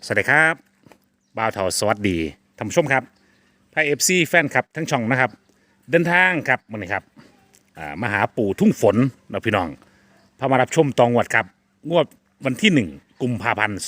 สวัสดีครับบ่าวเถาสวัสดีท่านผู้ชมครับไพเอฟซีแฟนครับทั้งช่องนะครับเดินทางครับวันนี้ครับมาหาปู่ทุ่งฝนนะพี่น้องพามารับชมตองวดครับงวดวันที่1 กุมภาพันธ์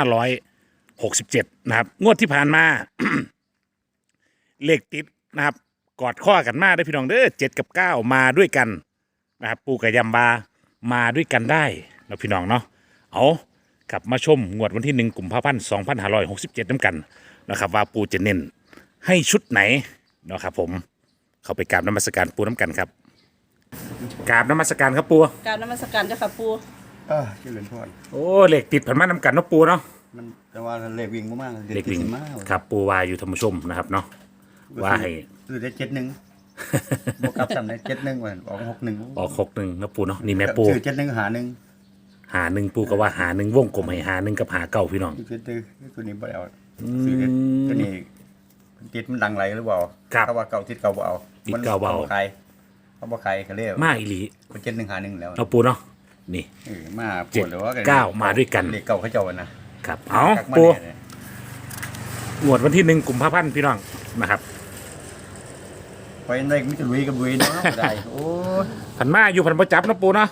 2567นะครับงวดที่ผ่านมา เลขติดนะครับกอดข้อกันมาได้อพี่น้องเด้อ7 กับ 9มาด้วยกันนะครับปู่กับยำบามาด้วยกันได้นะพี่น้องเนาะเอากลับมาชมงวดวันที่1 กุมภาพันธ์ 2567น้ำกันนะครับว่าปู่จะเน้นให้ชุดไหนนะครับผมเข้าไปกราบนมัสการปู่น้ำกันครับกราบนมัสการครับปู่กรารนมัสการเจ้าค่ะปูเจริญพรโอ้เลขติดผ่านมาน้ำกันเนาะปู่เนาะมันแต่ว่าเลขวิ่งมากๆเลขวิ่งติดมากครับปู่วาอยู่ธรรมชมนะครับเนาะว่าให้คือได้71บวกกับซ้ำได้71วันออก61 ออก61นะปู่เนาะนี่แม่ปู่คือ71หา1 หาหนึ่งปู่ก็ว่าหาหนึ่งวงกลมให้หาหนึ่งกับหาเก้าพี่น้องคือตัวนี้บ่ได้เอาคือตัวนี้ติดมันดังไรหรือเปล่าครับเขาว่าเก่าติดเก่าบ่เอาติดเก่าบ่เอาใครเขาบ่ใครเขาเรียกมาอีหลีมัน71หา1แล้วเอาปู่เนาะนี่มาปวดหรือว่า 7 9มาด้วยกันเลขเก่าเขาเจ้านะครับเอากักมาปู่แน่เลยงวดวันที่1 กุมภาพันธ์พี่น้องนะครับไปได้มิจะลุยกับลุยเนาะบ่ได้โอ้ยผันมาอยู่ผันประจับนะปู่เนาะ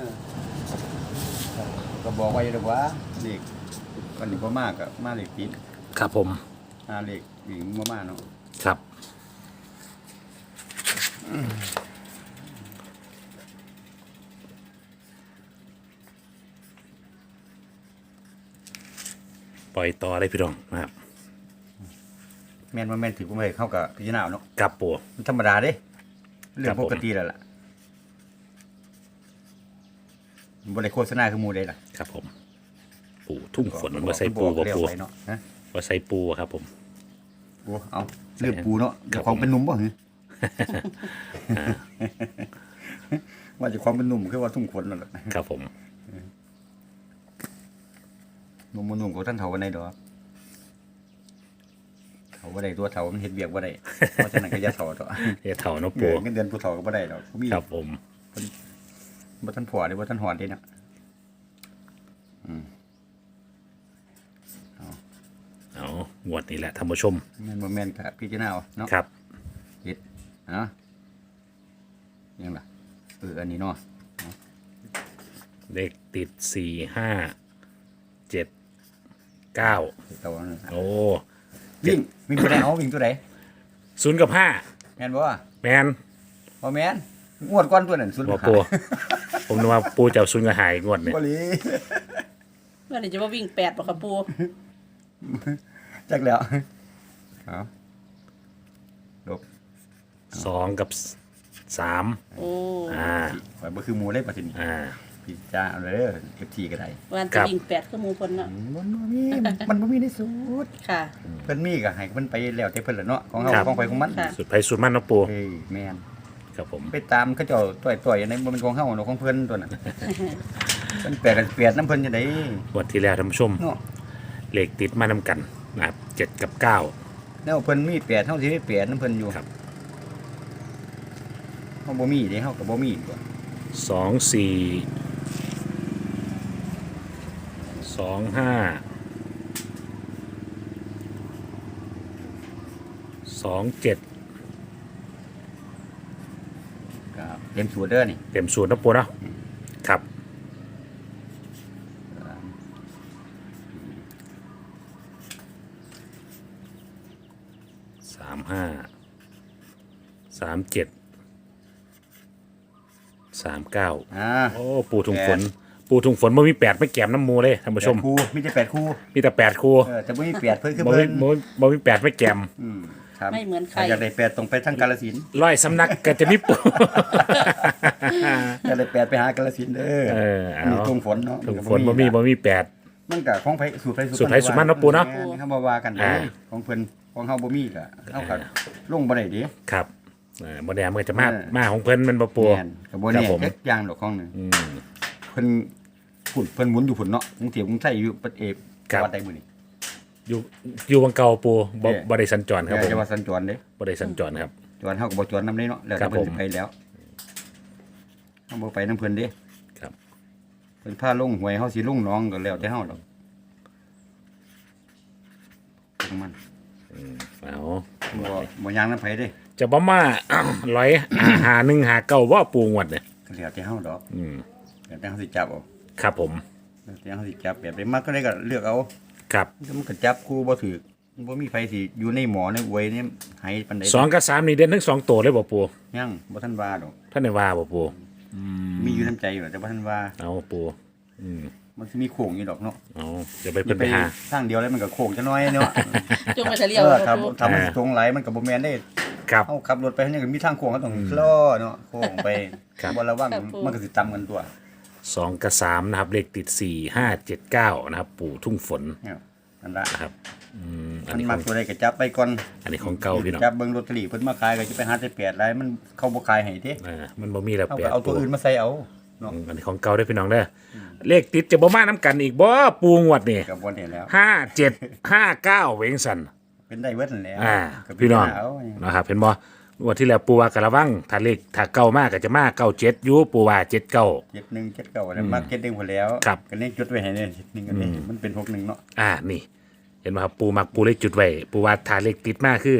ก็บอกไว้เลยว่าเด็กวันนี้พ่อมากกับมาเด็กปิดครับผมเด็กวิ่งมากๆเนาะครับปล่อยต่อได้พี่น้องนะครับแม่นว่าแม่นถือว่าไม่เข้ากับพิจารณาเนาะกับปู่มันธรรมดาเด้เรื่อครังบผมปกติแล้วล่ะบริโฆษณาคือหมูได้ล่ะครับผม ปู่ทุ่งฝนว่าใส่ปูบ่เรียกปู่ไว้เนาะฮะว่าใส่ปูครับผมโอ้เอาเรื่องปูเนาะเดี๋ยวของเป็นหนุ่มบ่หือว่าจะความเป็นหนุ่มคือว่าทุ่งขนนั่นแหละครับผมหนุ่มของท่านเฒ่าวันไหนดอกเฒ่าบ่ได้ตัวเฒ่ามันเฮ็ดเวียกบ่ได้เพราะฉะนั้นก็อย่าเฒ่าดอกเฮ้เถ่าเนาะเงิปูนเงินเดือนผู้เฒ่าก็บ่ได้ดอกมีครับผมบ่ทันผัวหรือบ่ทันหอดเด้เนาะเอางวดนี้แหละท่านผู้ชมแม่นบ่แม่นก็พิจารณาเอาเนาะครับเฮ็ดยังล่ะอันนี้เนาะเลขติด4 5 7 9 เฒ่านั่นโอ้วิ่งตัวใดเอาวิ่งตัวใด 0 กับแม่นบ่ 5 แมนบ่แม่นงวดก่อนตัวนั้นสุดบ่ปูผมนึกว่าปูจะเอา0 กับหายงวดเนี่ยบ่หลีเมื่อไหร่จะว่าวิ่ง8บ่ค่ะปูจักแล้วเอาลบ 2 กับ 3 โอ้ข่อยบ่คือหมู่เลยบัดนี้พิจารณาเอาเด้อ FT ก็ได้วันจะวิ่ง8คือหมู่เพิ่นเนาะมันบ่มีในสูตรค่ะเพิ่นมีก็ให้เพิ่นไปแล้วแต่เพิ่นล่ะเนาะของเฮาครับของไปของมันค่ะสุดไผสุดมันเนาะปูเฮ้ยแม่นครับผมไปตามเขาเจ้าต่อยๆอันนั้นบ่เป็นของเฮาเนาะของเพิ่นตัวนั้นเพิ่นแปลกันเปลียดน้ำเพิ่นจังได๋งวดที่แล้วท่านผู้ชมเนาะเลขติดมานำกันนะครับ7 กับ 9 แนวเพิ่นมีแปดเฮาสิมีแปดน้ำเพิ่นอยู่ครับเฮาบ่มีเด้เฮาก็บ่มีตัว 2 4 2 5 2 7 ครับเต็มสูตรเด้อนี่เต็มสูตรนะปูเนาะครับ35 37 39 โอ้ปูถุงฝน ปูถุงฝนบ่มี8ไม่แก้มน้ำมูเลยท่านผู้ชมแปดคู่มีแต่8คู่มีแต่8คู่แต่บ่มี8เพิ่นคือบ่เพิ่มีนบ่มี8ไม่แก้มครับไม่เหมือนใครอยากได้8ต้องไปทางกาฬสินธุ์ร้อยสำนักก็จะมีปูอยากได้8ไปหากาฬสินธุ์เด้อเอานี่ทุ่งฝนเนาะถุงฝนบ่มี8 มันก็ของไผสูตรไผสูตรไผสูตรมันเนาะปู่เนาะแม่เฮาบ่ว่ากันเด้ของเพิ่นของเฮาบ่มีก็เฮาก็ลงบ่ได้เด้ครับบ่แน่มันก็จะมาเออมาของเพิ่นมันบ่ปูแม่นก็บ่แน่ครับผมจักอย่างดอกของหนึงอืมเพิ่นเพิ่นหมุนอยู่พุ่นเนาะกรุงเทพกรุงไทยอยู่ประเทศครับวัดใดมื้อนี้อยู่วังเก่าปูบ่ได้สัญจรครับผมจังหวัดสัญจรเด้บ่ได้สัญจรครับจวนเฮาก็บ่จวนนำเด้เนาะแล้วครัแต่บเพิ่นผมสิไปแล้วเฮาบ่ไปนำเพิ่นเด้ครับเพิ่นพาลงหวยเฮาสิลงหนองก็แล้วแต่เฮาดอกของมันเอาบ่ยางน้ำไผเด้จะบ่มา ร้อยหาหนึ่งหาเก้าว่าปูงวดเนี่ยก็แล้วแต่เฮาดอกอืมแล้วแต่เฮาสิจับเอาครับผมแล้วแต่เฮาสิจับแบบใดมักก็ได้ก็เลือกเอาครับมันก็จับคู่บ่ถูกบ่มีไผสิอยู่ในหมอในอวยนี่ให้ปานใด 2กับ3นี่เด่นทั้ง2ตัวเลยบ่ปูยังบ่ทันว่าดอกท่านได้ว่าบ่ปูมีอยู่น้ำใจอยู่แต่บ่ทันว่าเอาปูอืมมันสิมีโค้งอยู่ดอกเนาะเอาจะไปเพิ่นไปหาทางเดียวแล้วมันก็โค้งจะน้อยเนาะจงไปเฉลี่ยเออบ่ครับปูถ้ามันตรงไหลมันก็บ่แม่นได้ครับเฮาขับรถไปเนี่ยก็มีทางโค้งก็ต้องล้อเนาะโค้งไปครับบ่ระวังมันก็สิตำกันตัว 2กับ3นะครับเลขติด4 5 7 9นะครับปู่ทุ่งฝนเนี่ยนั่นละนะครับอัมัน นนี้ขมัอก งตัวใดก็จับไปก่อนอันนี้ของเก่าพี่น้องจับเบิ่งลอตเตอรี่เพิ่นมาขายก็จะไปหาแต่แปดหลายมันเขาบ่ขายให้เด้มันบ่มีแล้วเอาแปก็ดเอาตัวอื่นมาใส่เอาเนาะอันนี้ของเก่าได้อพี่น้องเด้ออเลขติดจะบ่มาน้ำกันอีกบ่ปูงวดนี่ก็บ่ได้แล้ว 5 7 5 9เวงสันเป็นได้เบิดนั่นแหละ ก็เป็พี่น้องเอานะครับเห็นบ่งวดที่แล้วปูว่ากระวังถ้าเลขถ้าเก่ามากก็จะมาเก้าเจ็ดอยู่ปูว่า7 9 71 79แล้วมาเก็ตดึงพอแล้วครับก็เลยจดไว้ให้เนี่ย1กันนี่มันเป็น61เนาะนี่ เห็นไหมครับปูมักปูเลขจุดไว้ปูว่าถ้าเลขติดมากคือ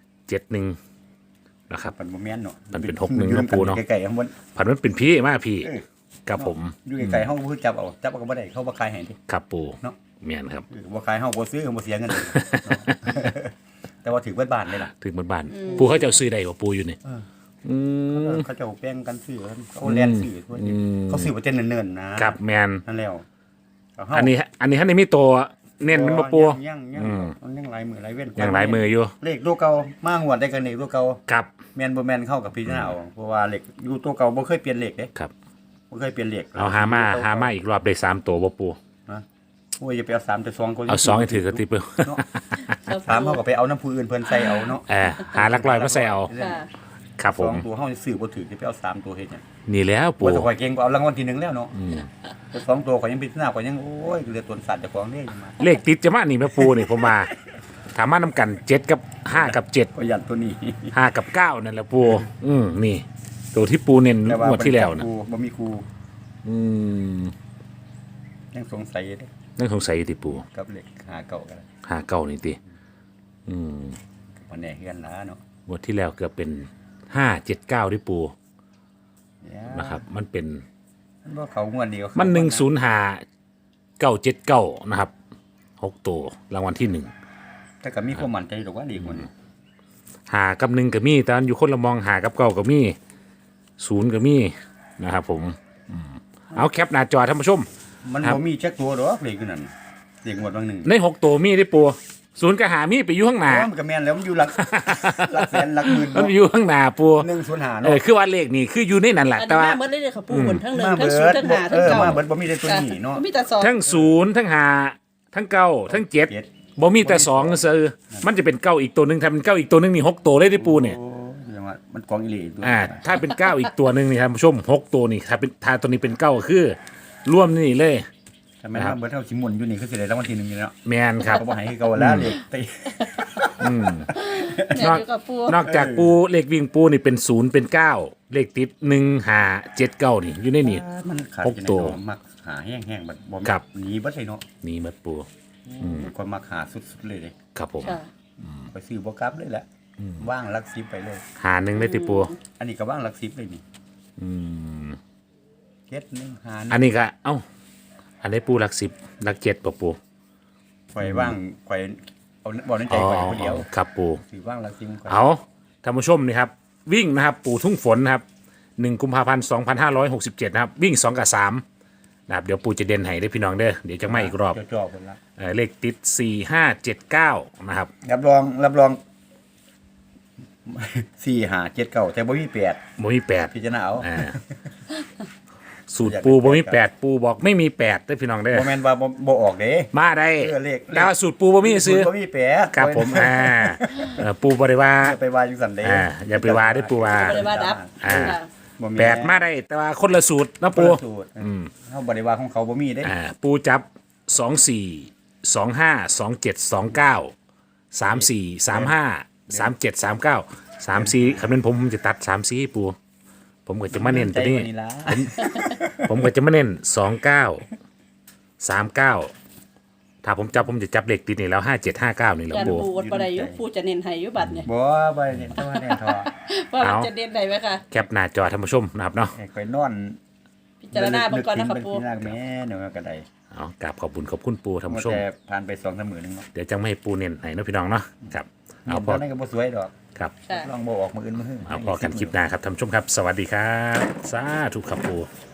71นะครับมันบ่แม่นเนาะมันเป็น61เนาะปู่เนาะใกล้ๆข้างบนผันมันเป็นพี่มากพี่เออกับผมอยู่ไกลๆเฮาบ่คือจับเอาจับเอาก็บ่ได้เขาบ่ขายให้เด้ครับปูเนาะเมียนครับบ่ขายเฮาบ่ซื้อเฮาบ่เสียเงินเลยเนาะ แต่ว่าถือเบิดบ้านเลยล่ะถึงบ้านๆปูเขาจะเอาซื้อได้ว่าปูอยู่นี่อืมเขาจะเอาแป้งกันซื้อเขาแล่นซื้อทั่วนี้เขาซื้อบ่เต็นเนิ่นๆนะครับแมนนั่นแล้วเาอันนี้ท่านนี้มีตัวเน้นมันบ่ปูยังมันยังหลายมือหลายเว้นอย่างหลายมืออยู่เลขตัวเก่ามาหวดได้กันเลขตัวเก่าครับแม่นบ่แม่นเข้ากับพี่นาเอาเพราะว่าเลขอยู่ตัวเก่าบ่เคยเปลี่ยนเลขเด้ครับบ่เคยเปลี่ยนเลขเอาหามาอีกรอบได้3ตัวบ่ปูนะโอ้ยอย่าไปเอา3แต่2คนเอา2ให้ถือกระติบเปเนาะ3เฮาก็ไปเอาน้ำผู้อื่นเพิ่นใส่เอาเนาะหาหลักร้อยมาใส่เอาค่ะครับผม 2ตัวเฮาซื้อบ่ถือจะไปเอา3ตัวเฮ็ดหยังนี่แล้วปูว่าแต่ข่อยเก่งกว่าเอารางวัลที่1แล้วเนาะแต่2ตัวข่อยยังพิจารณาข่อยยังโอ้ยเหลือตัวสัตว์เจ้าของเด้ยังมาเลขติดจะมานี่แม่ปูนี่ผมมาถามมานํกัน7กับ5กับ7 ก็ยันตัวนี้ 5กับ9นั่นแหละปูนี่ ตัวที่ปูเน้นแต่ว่างวดที่แล้วนะครูบ่มีครูอืมยังสงสัยเด้นั่นสงสัยติปูกับเลขหาเก่ากัน 5 9นี่ติอืมบ่แน่คือกันล่ะเนาะงวดที่แล้วเกือบเป็น5 7 9ที่ปูเนี่ยนะครับ มันเป็นมันบ่เขางวดเดียวมัน105 979นะครับ6ตัวรางวัลที่1 แต่ก็มีความมั่นใจดอกว่าดีกว่านี้หากับ1ก็มีแต่อันอยู่คนละมองหากับ9ก็มี0ก็มีนะครับผมเอาแคปหน้าจอท่านผู้ชมมันครับบ่มีจักตัวดอกเลขอยู่นั่นเลขงวดบางหนึงใน6ตัวมีได้ปู0ก็หามีไปอยู่ข้างหน้ามันก็แม่นแล้วมันอยู่หลัก หลักแสนหลักหมื่นมันอยู่ข้างหน้าปู 105 เออเนาะคือว่าเลขนี่คืออยู่ในนั้นแหละอันแต่นี้ว่ามาเบิดเลยเด้อค่ะปูบนทั้งหนึ่งมาทั้งเบิศูนดย์ทั้งหาทั้งเก้ามาเบิดบ่มีแต่ตัวนี้เนาะมีแต่สองทั้งศูนย์ทั้งหาทั้งเก้าทั้งเจ็ดเจ็ดบ่มีแต่สองซื้อมันจะเป็นเก้าอีกตัวหนึ่งถ้าเป็นเก้าอีกตัวหนึ่งนี่6ตัวเลยที่ปูเนี่ยโอ้ยว่ามันกองอีหลีตัวถ้าเป็นเก้าอีกตัวหนึ่งนี่ท่านผู้ชม6ตัวนี่ถ้าตัวนี้เป็นเก้าก็คือร่วมนี่เลยถ้าแม่นว่าเบิดเท่าสิหมุนอยู่นี่คือสิได้รางวัลที่1อยู่เนาะแมนครับก็บ่ให้คือเก่าแล้วเลขตีเนี่ยอยู่กับปูนอกจากปูเลขวิ่งปูนี่เป็นศูนย์เป็นเก้าเลขติด1 5 7 9นี่อยู่ในนี่มันขาดหกตัวจังได๋เนาะมักหาแห้งๆบัดบ่ครับหนีเบิดเลยเนาะนี่มัดปูคนมักหาสุดๆเลยเด้ครับผมค่ะไปซื้อบ่กลับเลยแหละว่างหลัก10ไปเลยหาหนึ่งเลยที่ปูอันนี้ก็ว่างหลัก10เลยนี่อืมเจ็ดหนึ่งหาอันนี้ก็เอ้าอันนี้ปูหลัก10หลัก7ป่ะปูข่อยว่างข่อยเอาบ่ในใจข่อยคนเดียวครับปูซื้อว่างหลัก10ข่อยเอาท่านผู้ชมนี่ครับ วิ่งนะครับ ปู่ทุ่งฝนนะครับ1 กุมภาพันธ์ 2567 นะครับ วิ่ง 2 กับ 3 นะครับ เดี๋ยวปู่จะเด่นให้ได้อพี่น้องเด้อเดี๋ยวจะมาอีกรอบจ่อๆคนละเลขติด 4579 นะครับรับรอง4 5 7 9แต่บ่มี8 บ่มี8 พิจารณาเอาสูตรปูบ่มี8ปูบอกไม่มี8ได้อพี่น้องเด้อบ่แม่นว่าบ่ออกเด้มาได้เลขแต่ว่าสูตรปูบ่มีซื้อบ่มี8 ครับผมปูบ่ได้ว่าอย่าไปว่าจังซั่นเด้อย่าไปว่าได้อปูว่าบ่ได้ว่าดับอ่าค่ะบ่มี 8มาได้ แต่ว่าคนละสูตรนะปูปูสูตรเฮาบ่ได้ว่าของเขาบ่มีเด้ปูจับ 24 25 27 29 34 35 37 39 34คำนั้นผมจะตัด34ปูผมก็จะมาเน้นตัวนี้ใจกว่าล่ะผมก็จะมาเน้น29 39 ถ้าผมจับผมจะจับเลขติดนี่แล้ว5759นี่แหล้วยันปูปูอดบ่ได้อยู่ปูจะเน้นให้อยู่บัดเนี่ยบ่ไปเนี่ยตัวเนี่ยทอว่ามันเอาจะเน้นได้ไหมคะแคปหน้าจอท่านผู้ชมนะครับเนาะไอ้ข่อยนอนพิจารณาเบิ่งก่อนนะคะปูพิจารณาแม่เดี๋ยวก็ได้เอากราบขอบคุณปูท่านผู้ชมแต่ผ่านไป2-3มื้อนึงเนาะเดี๋ยวจังไม่ให้ปูเน้นให้เนาะพี่น้องเนาะครับเอาพตออนนั้นก็บ่สวยดอกครับค่ะลองบ่ออกมื้ออื่นมื้อเอาพอกันคลิปหน้าครับท่านผู้ชมครับ สวัสดีครับสาธุครับปูค